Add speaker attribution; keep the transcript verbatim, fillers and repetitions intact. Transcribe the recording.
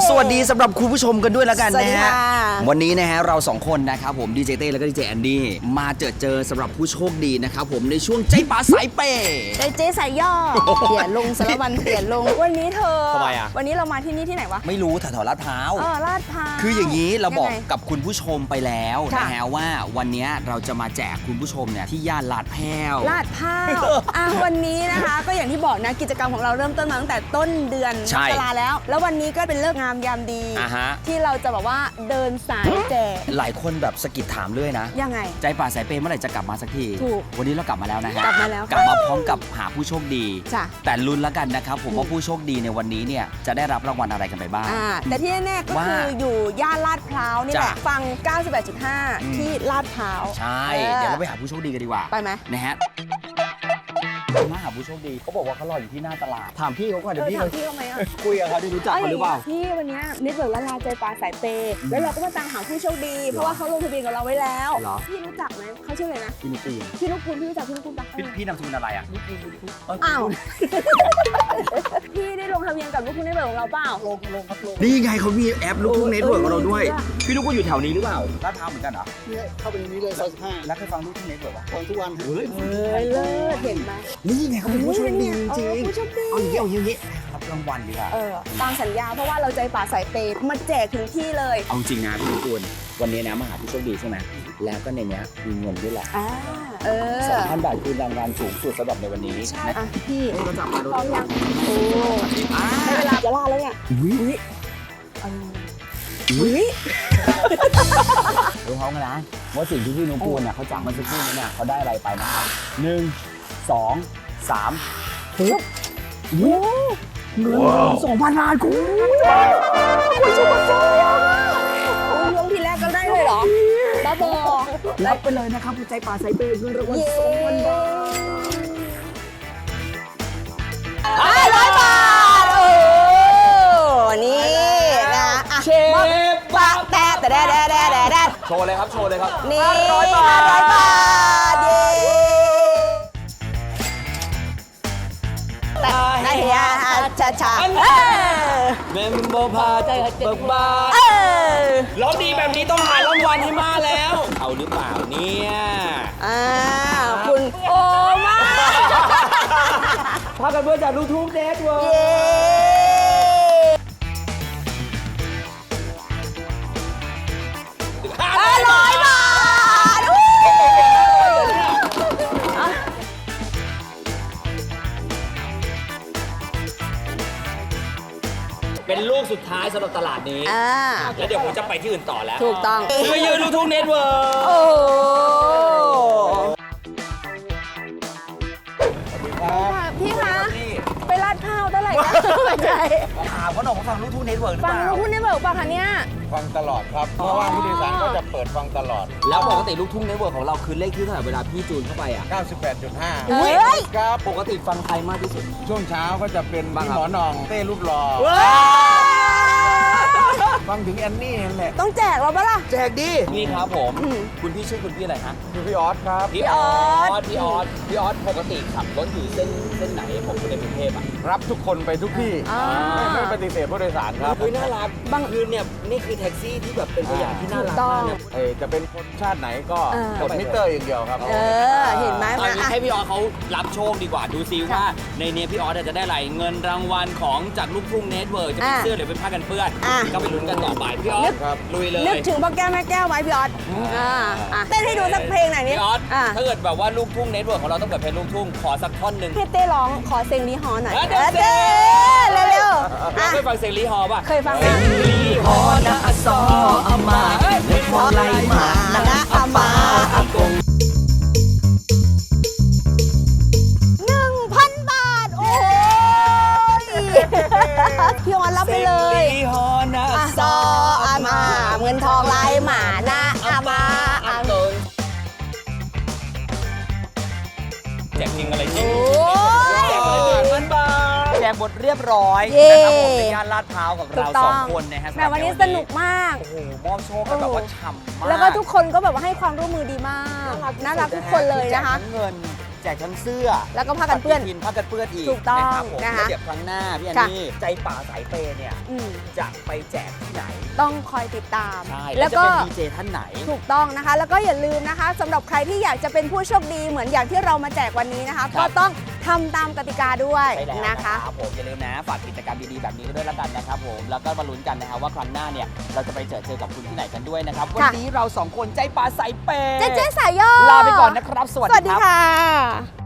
Speaker 1: สวัสดีสำหรับคุณผู้ชมกันด้วยแล้วกันนะฮะ
Speaker 2: สวัสดีค่ะ
Speaker 1: วันนี้นะฮะเราสองคนนะครับผมดีเจเต้แล้วก็ดีเจแอนดี้มาเจอเจอสำหรับผู้โชคดีนะครับผมในช่วงใจป๋าสายเปย์
Speaker 2: ใจเจ๊สายย่อเปลี่ยนลงสารวันเปลี่ยนลงวันนี้เธอ
Speaker 1: ทำไมอะ
Speaker 2: วันนี้เรามาที่นี่ที่ไหนวะ
Speaker 1: ไม่รู้แถวๆลาดพร้าว
Speaker 2: เออลาดพร้าว
Speaker 1: คืออย่างนี้เราบอก
Speaker 2: ยังไง
Speaker 1: กับคุณผู้ชมไปแล้ว
Speaker 2: ค่ะ
Speaker 1: นะฮะว่าวันนี้เราจะมาแจกคุณผู้ชมเนี่ยที่ย่านลาดแพ้ว
Speaker 2: ลาดพร้าวอ่ะวันนี้นะคะ ก็อย่างที่บอกนะกิจกรรมของเราเริ่มต้นมาตั้งแต่ต้นเดือน
Speaker 1: ใช่
Speaker 2: มกราแล้ว แล้ววันนี้ก็เป็นเลิกษ์งามยามดี
Speaker 1: อ่าฮะ
Speaker 2: ที่เราจะแบบว่าเดินสายแจก
Speaker 1: หลายคนแบบสะกิดถามเรื่อยนะ
Speaker 2: ยังไง
Speaker 1: ใจป่าสายเปย์เมื่อไหร่จะกลับมาสักที
Speaker 2: ถูก
Speaker 1: วันนี้เรากลับมาแล้วนะฮะ
Speaker 2: กลับมาแล้ว
Speaker 1: กลับมาพร้อมกับหาผู้โชคดี
Speaker 2: จ้ะ
Speaker 1: แต่ลุ้นแล้วกันนะครับผม
Speaker 2: อืม
Speaker 1: ว่าผู้โชคดีในวันนี้เนี่ยจะได้รับรางวัลอะไรกันไปบ้าง
Speaker 2: อ่าแต่ที่แน่ๆก็
Speaker 1: ว่า
Speaker 2: คืออยู่ย่านลาดพร้าวนี่แหละ
Speaker 1: จ้ะ
Speaker 2: ฟัง เก้าสิบแปดจุดห้า
Speaker 1: อืม
Speaker 2: ที่ลาดพร้าว
Speaker 1: ใช่
Speaker 2: ออ
Speaker 1: เดี๋ยวเราไปหาผู้โชคดีกันดีกว่า
Speaker 2: ไปไหม
Speaker 1: นะฮะมาหาผู้โชคดีเขาบอกว่าเขารออยู่ที่หน้าตลาดถามพี่เขาก่อน
Speaker 2: เอ
Speaker 1: เดี๋ยว
Speaker 2: อ
Speaker 1: พี่
Speaker 2: ถามพี่เขาไหมอ่ะ
Speaker 1: คุยกับเขาที่รู้จักเขาหรือเปล่า
Speaker 2: พี่วันเนี้ยนิดเบิร์กละลาใจปลาสายเปย์แล้วเราก็มาตามหาผู้โชคดี เพราะว่าเขาลงทะเบียนกับเราไว้แล้ว
Speaker 1: เหรอ
Speaker 2: พี่รู้จักไหมเขาชื่ออะไรนะ
Speaker 1: พี่นุ๊กปีน
Speaker 2: พี่นุกคุณพี่รู้จักพี่นุกคุณปะ
Speaker 1: พี่พี่นามสกุลอะไรอ่ะ
Speaker 2: อ้าว พี่ได้ลงทะเบียนกับลูกคุณนิดเบิร์กของเราเปล่าลงลงครับลง
Speaker 1: นี่ไงเขามีแอปลูกทุ่งเน็ตเวิร์กของเราด้วย
Speaker 2: เออ
Speaker 1: พี่ลูกก็อยู่แถวนี้หรือเปล่าลาดพร้าวเหมือนกันเหรอ
Speaker 3: เนี่ยเข้าไปในนี้เลยซอยสิบห้า
Speaker 1: แล้วเคยฟังลูกทุ่งเน็ตเวิร์กปะ
Speaker 3: ฟังทุกวัน
Speaker 1: เฮ้ย
Speaker 2: เอ้ยเลิศเห็นไหม
Speaker 1: นี่ไงเขาเป็นผู้โชคดีจริง
Speaker 2: เออผู้โชคดี
Speaker 1: เอาอย่างนี้เอาอย่างนี้รับรางวัลดีกว่า
Speaker 2: เออตามสัญญาเพราะว่าเราใจป่าสายเปย์มาแจกถึงที่เลย
Speaker 1: เอาจริงนะพี่ตูนวันนี้นะมาหาผู้โชคดีใช่ไหมแล้วก็ในเนี้ยมีเงินด้วยแหละ
Speaker 2: อ่าเออ
Speaker 1: สองพันบาทคือรางวัลสูงสุดสำหรับในวันนี้
Speaker 2: ใช่
Speaker 1: นะ
Speaker 2: อ่ะพี่
Speaker 1: เฮ้ยเราจับมาดู
Speaker 2: พร้อมยังโอ้
Speaker 1: อ่า
Speaker 2: ได้เวลาจะล่าแล้วเนี่ย
Speaker 1: อุ้ย
Speaker 2: อุ้ยเอออุ้ย
Speaker 1: รู้เขากันนะว่าสิ่งที่พี่นุกูลเนี่ยเขาจับมาสักครู่นี้เนี่ยเขาได้อะไรไปนะครับหนึ่งสองสามปึ๊บ
Speaker 2: โอ้
Speaker 1: เงินสองพันบาทคุณ
Speaker 2: คุณชุบโซ่โอ้ยลงทีแรกก็ได้เลยเหรอบ้าบอ
Speaker 1: รับไปเลยนะครับใจป่าสายเปย์เงินรางวัล
Speaker 2: เย้
Speaker 1: สองพันบาท
Speaker 2: ห้าร้อยบาทโอ้นี่นะอ่ะ
Speaker 1: เชฟ
Speaker 2: ปะแต่แต่แดแดแดแดแด
Speaker 1: โชว์เลยครับโชว์เลยครับ
Speaker 2: นี่
Speaker 1: ห้าร้อยบาท
Speaker 2: ห้าร้อยบาทเย้แต่ได้เฮียชาชาเออ
Speaker 1: เมมโบพาใจเบิกบา
Speaker 2: เออ
Speaker 1: ร้องดีแบบนี้ต้องหารางวัลให้มาแล้ว เอาหรือเปล่าเนี่ย
Speaker 2: อ่าคุณโอมาก
Speaker 1: พากันเพื่อจากลูกทุ่งเน็ตเวิร์
Speaker 2: เย้ห้าร้อยบาทอู้อ่ะ
Speaker 1: เป็นลูกสุดท้ายสำหรับตลาดนี้
Speaker 2: อ่า
Speaker 1: แล้วเดี๋ยวผมจะไปที่อื่นต่อแล้ว
Speaker 2: ถูกต้อง
Speaker 1: ไปยืนลูกทุ่งเน็ตเวิร์
Speaker 2: โอ้โหพี่คะ ไปลาดข้าวเท่าไหร่นะไม่ใช่
Speaker 1: ถามเขาหน่อยว่าฟังลูกทุ่งเน็ตเวิร์หรือ
Speaker 2: ฟั
Speaker 1: เป
Speaker 2: ง
Speaker 1: ล่า
Speaker 2: ลูกคุณได้เบิกป่ะคะเนี่ย
Speaker 3: ฟังตลอดครับ เพราะว่าผู้โดยสารก็จะเปิดฟังตลอด
Speaker 1: แล้วปกติลูกทุ่งเน็ตเวิร์ของเราคือเลขที่เท่าไหร่เวลาพี่จูนเข้าไปอ่ะ
Speaker 3: เก้าสิบแปดจุดห้า
Speaker 2: เฮ้ย
Speaker 3: ครับ
Speaker 1: ปกติฟังใครมากที่สุด
Speaker 3: ช่วงเช้าก็จะเป็น
Speaker 1: บ้าง
Speaker 3: พี่
Speaker 1: ครับ
Speaker 3: หมอนองเต้รูปหล่อฟังถึงแอนนี่นั่นแหละ
Speaker 2: ต้องแจกเราปะล่ะ
Speaker 1: แจกดีนี่ครับผม
Speaker 2: อืม
Speaker 1: คุณพี่ชื่อคุณพี่อะไรฮะ
Speaker 3: คือพี่ออสครับ
Speaker 1: พี่ออสพี่ออสพี่ออสปกติขับรถอยู่เส้นเส้นไหนผมอยู่ในกรุงเทพอ่ะ
Speaker 3: รับทุกคนไปทุกที่
Speaker 2: อ่า
Speaker 3: ไม่ไม่ปฏิเสธผู้โดยสารครับ
Speaker 1: เฮ้ยน่ารักบางคืนเนี่ยนี่คือแท็กซี่ที่แบบเป็นตัวอย่างที่น่ารักมากเนี่ย
Speaker 3: เอ่อจะเป็นคนชาติไหนก็
Speaker 2: เออ
Speaker 3: กดมิเตอร์อย่างเดียวครับ
Speaker 2: เออ เห็นไหม
Speaker 1: เอา
Speaker 2: มา
Speaker 1: งี้
Speaker 2: อ่ะ
Speaker 1: ให้พี่ออสเขารับโชคดีกว่าดูซิว่าในเนี้ยพี่ออสจะได้อะไรเงินรางวัลของจากลูกทุ่งเน็ตเวิร์กจะเป็น
Speaker 2: อ่ะ
Speaker 1: เสื้อหรือเป็นผ้ากันเปื้อน
Speaker 2: อ่ะ
Speaker 1: ก็ไปลุ้นกันต่อไปพี่ออส
Speaker 3: ครับ
Speaker 1: ลุยเลย
Speaker 2: นึกถึงพ่อแก้วแม่แก้วไหมพี่ออสอ่าอ่ะเต้นให้ดูสักเพลงหน่อยนิ
Speaker 1: พี่ออส
Speaker 2: อ่ะ
Speaker 1: ถ้าเกิดแบบว่าลูกทุ่งเน็ตเวิร์กของเราต้องเปิดเพลงลูกทุ่งขอสักท่อนหนึ่ง
Speaker 2: ให้เต้ร้องขอเซงลีฮอหน่อย
Speaker 1: เออเดี๋ยว
Speaker 2: เออเต้เร็วๆอ่ะ
Speaker 1: เคยฟังเสียงลีฮอป่ะ
Speaker 2: เคยฟังไหม
Speaker 1: ลีฮอนะอซออามาเล็กพอไลมานะอามาอากง
Speaker 2: หนึ่งพันบาท โอ้ยพี่ออสรับไปเลย
Speaker 1: ลีฮอนะ
Speaker 2: อ่ะซออามาเงินทองไหลมานะอามาอา
Speaker 1: ตงแจกจริงอะไรจริง
Speaker 2: โอ้ย
Speaker 1: แจกเลยหนึ่งพันบาทแจกหมดเรียบร้อย
Speaker 2: เย้
Speaker 1: นะครับผมในย่านลาดพร้าวกับ
Speaker 2: ถู
Speaker 1: เรา
Speaker 2: กต้
Speaker 1: ส
Speaker 2: อ
Speaker 1: อง งคนนะฮะ
Speaker 2: แต่วันนี้สนุกมาก
Speaker 1: โอ้โหมอบโชคกันแบบว่าฉ่ำมาก
Speaker 2: แล้วก็ทุกคนก็แบบว่าให้ความร่วมมือดีมาก น่ารักทุกคนเลยนะคะ
Speaker 1: แจกทั้งเงินแจกทั้งเสื้อ
Speaker 2: แล้วก็ผ้ากันเปื้อน
Speaker 1: ปฏิทินผ้ากันเปื้อนอีก
Speaker 2: ถูกต้อง
Speaker 1: นะครับผม
Speaker 2: นะคะ
Speaker 1: แล้วเดี๋ยวครั้งหน้าพี่อัน
Speaker 2: ค่ะ
Speaker 1: นี่ใจป่าสายเปย์เนี่ย
Speaker 2: อืม
Speaker 1: จะไปแจกที่ไหน
Speaker 2: ต้องคอยติดตาม
Speaker 1: ใช่
Speaker 2: แล้
Speaker 1: แล้ว
Speaker 2: ว
Speaker 1: จะ
Speaker 2: ก็
Speaker 1: เป็นดีเจท่านไหน
Speaker 2: ถูกต้องนะคะ แล้วก็อย่าลืมนะคะสำหรับใครที่อยากจะเป็นผู้โชคดีเหมือนอย่างที่เรามาแจกวันนี้นะคะ
Speaker 1: ครับ
Speaker 2: ก็ต้องทำตามกติกาด้วย
Speaker 1: ใช่แล้ว
Speaker 2: นะ
Speaker 1: นะคะ ครับผมอย่าลืมนะฝากกิจกรรมดีๆแบบนี้ด้วยแล้วกันนะครับผมแล้วก็มาลุ้นกันนะครับว่าครั้งหน้าเนี่ยเราจะไปเจอเจอกับคุณที่ไหนกันด้วยนะครับวันนี้เราสองคนใจป่าสายเปย์
Speaker 2: เจ๊เจ๊สายย่อ
Speaker 1: ลาไปก่อนนะครับ สวัส
Speaker 2: สวัส
Speaker 1: ดี
Speaker 2: ดี
Speaker 1: ครับ
Speaker 2: ค่ะ